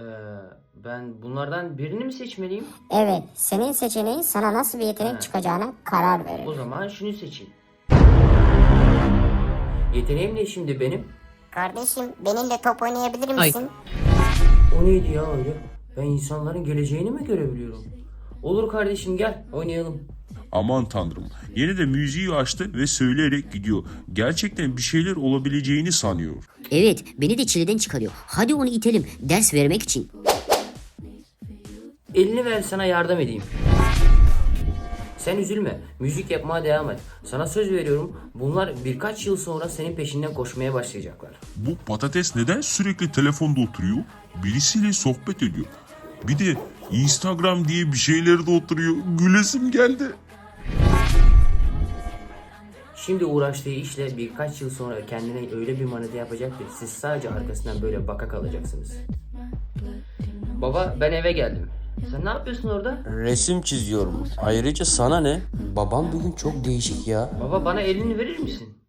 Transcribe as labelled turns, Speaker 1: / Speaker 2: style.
Speaker 1: Ben bunlardan birini mi seçmeliyim?
Speaker 2: Evet, senin seçeneğin sana nasıl bir yetenek çıkacağına karar verir.
Speaker 1: O zaman şunu seçeyim. Yeteneğim ne şimdi benim?
Speaker 2: Kardeşim, benimle top oynayabilir misin?
Speaker 1: O neydi ya öyle? Ben insanların geleceğini mi görebiliyorum? Olur kardeşim, gel oynayalım.
Speaker 3: Aman tanrım. Yine de müziği açtı ve söyleyerek gidiyor. Gerçekten bir şeyler olabileceğini sanıyor.
Speaker 4: Evet, beni de çileden çıkarıyor. Hadi onu itelim, ders vermek için.
Speaker 1: Elini ver, sana yardım edeyim. Sen üzülme. Müzik yapmaya devam et. Sana söz veriyorum. Bunlar birkaç yıl sonra senin peşinden koşmaya başlayacaklar.
Speaker 3: Bu patates neden sürekli telefonda oturuyor? Birisiyle sohbet ediyor. Bir de Instagram diye bir şeylerde oturuyor. Gülesim geldi.
Speaker 1: Şimdi uğraştığı işle birkaç yıl sonra kendine öyle bir manita yapacak ki siz sadece arkasından böyle baka kalacaksınız. Baba, ben eve geldim. Sen ne yapıyorsun orada?
Speaker 5: Resim çiziyorum. Ayrıca sana ne? Babam bugün çok değişik ya.
Speaker 1: Baba, bana elini verir misin?